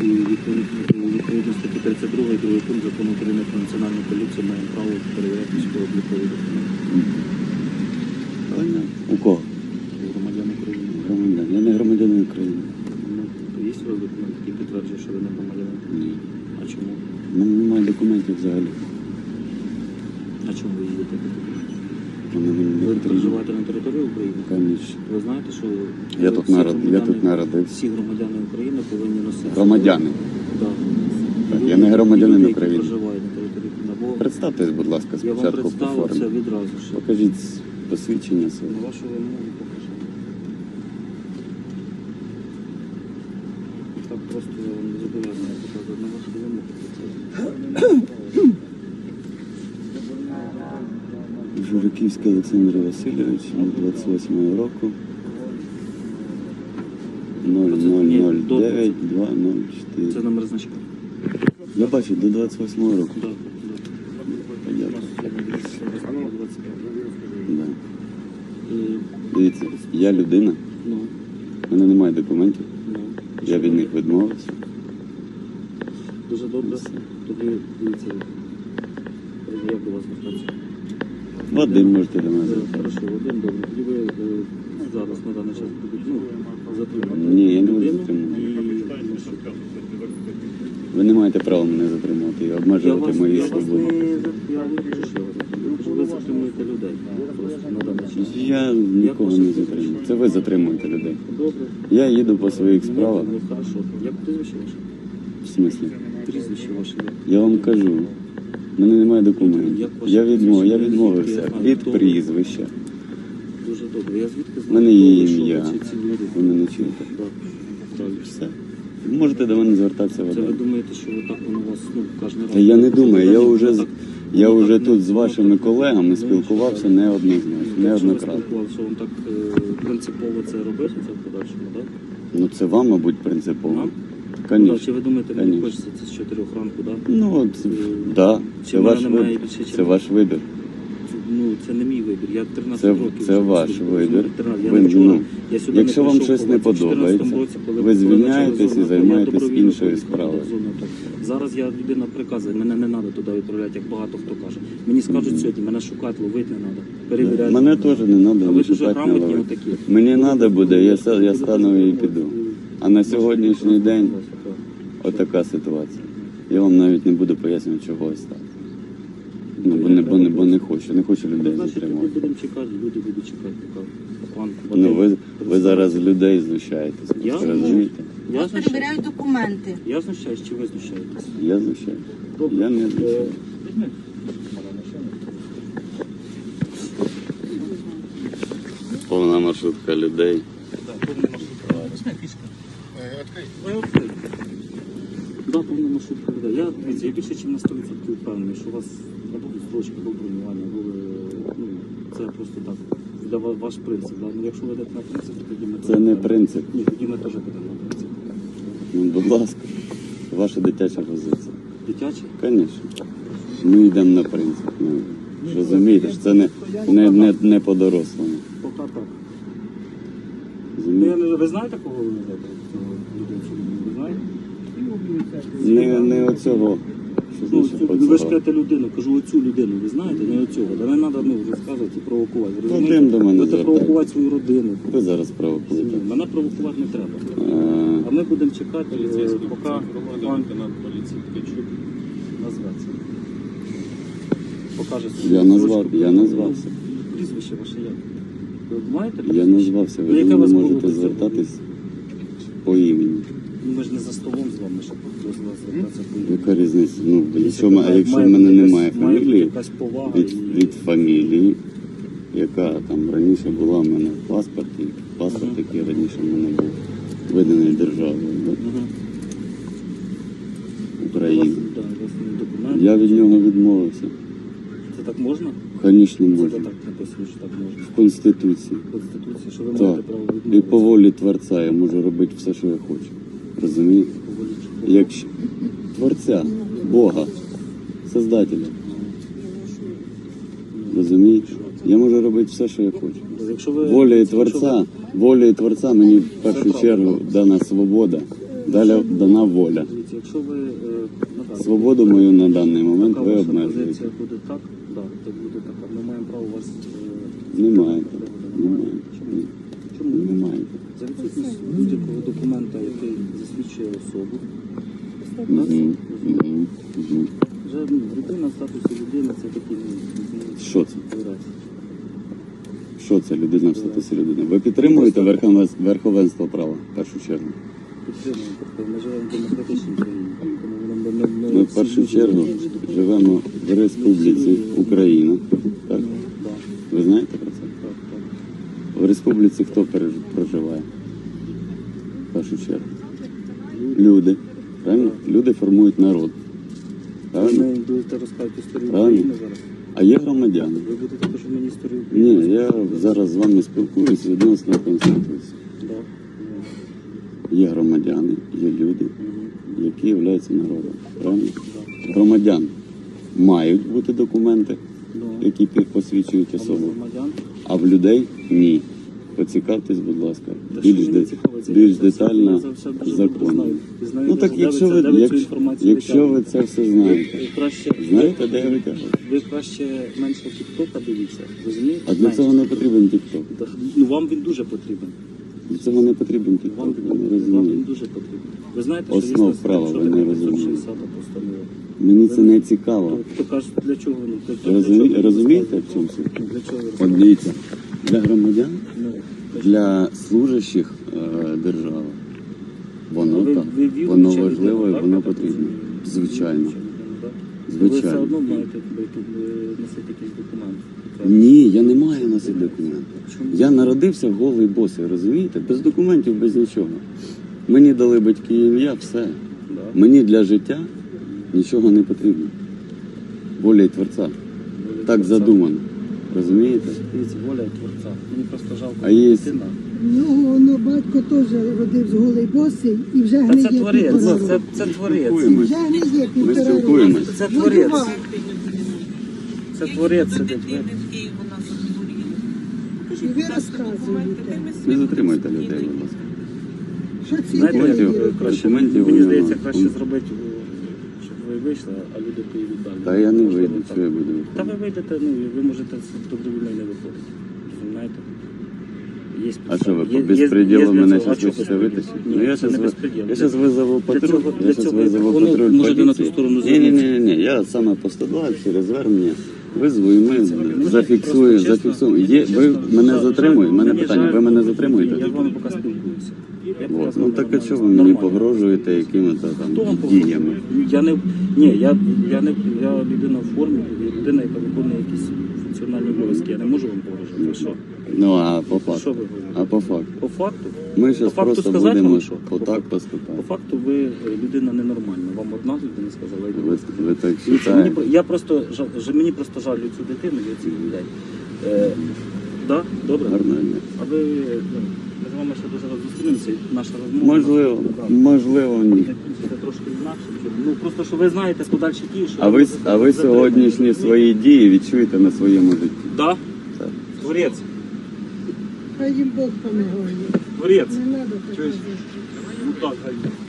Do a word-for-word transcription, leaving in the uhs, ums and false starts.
і відповідно статті тридцять два, другий пункт Закону України про національну поліцію маємо право перевіряти військово-облікові документи. Правильно? У кого? Громадян України. Громадян. Я не громадянин України. Ну, є у вас документ, який підтверджує, що ви не громадянин? Ні. А чому? У мене немає документів взагалі. А чому ви їздите? Вони мені не Ви потрібні. проживаєте на території України? Конечно. Ви знаєте, що Я тут, всі народ... я громадяни- тут народився. всі громадяни України повинні носити... Громадяни. Так. Так, я не громадянин Люди, які України. проживають на території України. Або Представтесь, будь ласка, я вам спочатку по представив це формі. відразу. Що Покажіть посвідчення своє. на вашу вимогу покажу. Так просто я вам не зобов'язаний показати на вашу вимогу. Журиківський Олександр Васильович, двадцять восьмого року. нуль нуль нуль дев'ять два нуль чотири. Це номер значка. Я бачу, до двадцять восьмого року. Так, Понятно. так. Да. І, Дивіться, я людина, ну, в мене немає документів, ну. я від них відмовився. Дуже добре. Тоді дивіться, як до вас звертатися. Вадим можете до мене Е, звертатися. Хорошо, один добре. Тоді ви е, зараз на даний час будуть, ну, затримати. Ні, я не буду людину затримувати. і, ну, що? Ви не маєте права мене затримувати і Я обмежувати вас, мої я вас не, свободи. я не кажу, що я вас затримую. Кажу, ви затримуєте людей просто на даний час. Я нікого не затримую. Це ви затримуєте людей. Добре. Я їду по своїх справах. Ну, хорошо. Як прізвище ваше? В смислі? Прізвище ваше як? Я вам кажу, в мене немає документів. Як ваше Я відмов, я прізвище? відмовився Я знаю, від хто ви. прізвища. Дуже добре. Я звідки В знаю, мене хто є ви, що ви, ім'я. чи ці люди? Ви мене чуєте? Так. Правильно. Все. Можете до мене звертатися в Це ви один. думаєте, що ви так воно у вас, ну, кожен раз... Та я не думаю, я вже, з- Так, я воно вже так тут не- з воно вашими так- колегами Ну, спілкувався що? неоднозначно, Якщо ви неоднократно. спілкувалися, вам так е, принципово це робити, це в подальшому, так? Ну це вам, мабуть, принципово. Нам? Ну, так, чи Звісно. ви думаєте, мені Конечно. хочеться це з чотирьох ранку, так? Ну от, Е, да, чи це в мене ваш немає вибір. більше, Це чим- ваш вибір. Ну, це не мій вибір. Я тринадцять Це, років. це вже ваш служу. вибір. тринадцять. Я Ви, не вчора- ну, я сюди якщо не вам прийшов, щось не коли в чотирнадцятому подобається, році, коли- ви коли звільняєтесь почали і зону, займаєтесь я добровільно іншою поїхав справою. в зону АТО. Зараз я людина приказує, мене не треба туди відправляти, як багато хто каже. Мені скажуть сьогодні, мене шукати, ловити не треба. Перевіряти. Мене теж не А треба ви дуже шукати, не грамотні ловити. отакі. Мені треба буде, я, са- я стану і піду. А на сьогоднішній день отака ситуація. Я вам навіть не буду пояснювати, чого ось так. Ну, бо не, бо не, бо не хочу, не хочу людей Значить, тоді затримувати. будемо чекати, люди будуть чекати, поки пан Ну, ви, ви представить. зараз з людей знущаєтесь, Я? ви розумієте? Я Вас знущаюсь? перевіряють документи. Я знущаюсь, чи ви знущаєтесь? Я знущаюсь. Добре. Я не Е, знущаюсь. візьми. Повна маршрутка людей. Да, повна маршрутка. Візьми фішка. Ой, відкрий. Да, повна маршрутка людей. Я, дивіться, я більше, ніж на сто відсотків впевнений, що у вас не будуть строчки до бронювання, або ви, ну, це просто так, для ва- ваш принцип. Да? Ну, якщо ви йдете на принцип, то тоді ми Це теж не підемо. принцип. Ні, тоді ми теж підемо на принцип. Ну, будь ласка, ваша дитяча позиція. Дитячі? Звісно. Ми йдемо на принцип. Ну, ж розумієте, що це не, не, не, не по-дорослому. Поки так. Ну, я Розумієте? не, ви знаєте, кого ви ведете? Цього людей, що ви знаєте? Не, не оцього. Що Ну, значить цю- ви ж оцього? кажете людину, кажу оцю людину, ви знаєте, не оцього. Да не треба, ну, розказувати і провокувати. ви Вадим розумієте? до мене Будете провокувати звертається. свою родину. Ви зараз провокуєте. Ні, мене провокувати не треба. Е, А ми будемо чекати, е, поки пан лейтенант поліції Ткачук назветься. Покаже свою Я назвав, строчку. я назвався. Прізвище ваше як? Ви маєте Я прізвище? назвався, Ну, ви яке до у вас мене було можете до цього? звертатись по імені. Ну, ми ж не за столом з вами, щоб до вас звертатися по імені. Яка різниця? Ну, якщо, Якщо м- якщо в має мене бути немає якась- має бути фамілії, якась повага від, і- від фамілії, яка там раніше була в мене в паспорті, паспорт, Мгм. який раніше в мене був виданий державою да, Мгм. України. Да, у вас є документ. Я від нього відмовився. Це так можна? Звісно, Це можна. так написано, що так можна. В Конституції. В Конституції, що ви Так. маєте право І відмовитися. по волі Творця я можу робити все, що я хочу. Розумієте? По волі чи- Якщо Творця, Бога, Создателя. Розумієте? Я можу робити все, що я хочу. Якщо ви... Волею якщо ви- Творця, волею Творця мені в першу чергу дана свобода далі дана воля. Дивіться, якщо ви е, надали, Свободу мою на даний момент така ви ваша обмежуєте. позиція буде так, да, так буде така. Ми маємо право вас... Е, Не маєте. Не Немає? маєте. Чому? Ні. Чому? Не маєте. За відсутність будь-якого документа, який засвідчує особу, Мгм. Мгм. Мгм. вже ну, людина в статусі людини це такий ну, Що це? вираз. Що це людина в статусі людини? Ви підтримуєте верховенство, верховенство права в першу чергу? Підтримуємо, тобто ми живемо в демократичній країні, тому воно не, не, Ми в першу чергу живемо в Республіці Україна. Так? Да, Ви знаєте про це? так, так. В республіці хто переж- проживає? В першу чергу. Люди. Правильно? Люди формують народ. Правильно? Ви будете розказувати історію Правильно. України зараз? А є громадяни. Ви будете також мені історію України? Ні, я зараз з вами спілкуюсь відносно Конституції. Да. Є громадяни, є люди, Мгм. які являються народом. Правильно? Да. Громадян мають бути документи, Да. які пі- посвідчують А ви особу, громадян? а в людей ні. Поцікавтесь, будь ласка, Та більш, що де- мені цікаво, це більш я це все- детально я це все дуже добре законно. знаю. І знаю, Ну так де якщо ви це- ви, де ви цю якщо, інформацію якщо ви витягуєте. це все знаєте, Ви краще, знаєте, де я витягую? ви краще менше тіктока дивіться, розумієте? А для Менше. цього не потрібен тікток. Та, Ну вам він дуже потрібен. Для цього не потрібен Вам, тікток, він- ви не вам він розумієте. дуже потрібен. Ви знаєте, Основ що права ви не розумієте. шістдесята постанова. Мені це не цікаво. То, хто каже, для чого воно? Для, для Розумі- чого ви розумієте, розказуєте? в чому суть? Ну, Для чого ви От розказуєте? дивіться, для громадян, Ну, для служащих е, держави, воно ви- так, ви віруюча воно людина, важливо і так, воно я так потрібно. розумію? Звичайно. Віруюча людина, так? Ви все Звичайно. одно маєте е, носити якийсь документ. Ні, я не маю носити документи. Чому? Я народився голий босий, розумієте? Без документів, без нічого. Мені дали батьки ім'я, все. Да. Мені для життя нічого не потрібно. Воля й Творця. Воля Так Творця. задумано. Розумієте? Дивіться, воля Творця. Мені просто жалко А є- дитина. Ну, ну, батько теж родив з голий босий і вже Та гниє це творець, півтора це, року. це творець. Спілкуємось. Вже гниє Ми півтора року. спілкуємось. Це Ну, творець. бува. Це творець сидить. ви- І ви розказуєте, Не затримуйте людей, будь ласка. що ці Знаєте, як Документів- люди. краще, документів мені у здається, нього. краще зробити, щоб ви вийшли, а люди поїдуть далі. Та я не Можливо, вийду, так. що я буду Та ви виходити. вийдете, ну, і ви можете з- добровільно і не виходити. Розумієте? Є А що ви підстави. по Є- є- безпреділу є для мене цього- зараз а чого хочете безпреділ? витащити? Ні, Ну я це не зараз безпреділ. я зараз визову Для патруль. цього- Я для зараз цього визову воно патруль можете на ту поліції. сторону Ні, ні, ні, звернутися. ні, я саме по сто два через звернення визву і ми Мені зафіксуємо, просто чесно- зафіксуємо. мені Є, чесно, ви мене жаль- затримуєте? У мене мені питання, жаль, ви мене Я затримуєте? з вами поки спілкуюся. Я поки От. з Ну вами так а нормально. чого ви мені Нормально. погрожуєте якими-то Хто вам там діями? погрожує? Я не ні, я, я не я людина в формі, я людина, яка виконує якісь функціональні обов'язки. Я не можу вам погрожувати. Що? Ну а по Що факту? ви говорите? А по факту? По факту? Ми По зараз факту просто сказати будемо вам, що? отак По факту. поступати. По факту ви е, людина ненормальна. Вам одна людина сказала, і Ви, ви так Дивіться, мені, вважаєте? про- я просто жаль, ж- мені просто жаль цю дитину і цих людей. Е, да? Добре? Гарного дня. А ви ну, ми з вами ще дуже раз зустрінемося, і наша розмова. Можливо, Да. можливо, ні. Це трошки інакше. щоб- Ну просто що ви знаєте подальші дії, що А ви, можете а ви затримати. сьогоднішні свої дії відчуєте на своєму житті. Да? Так. Творець. Хай їм Бог помилує. Творець. Не треба так Чуєш? робити. Ну так, хай.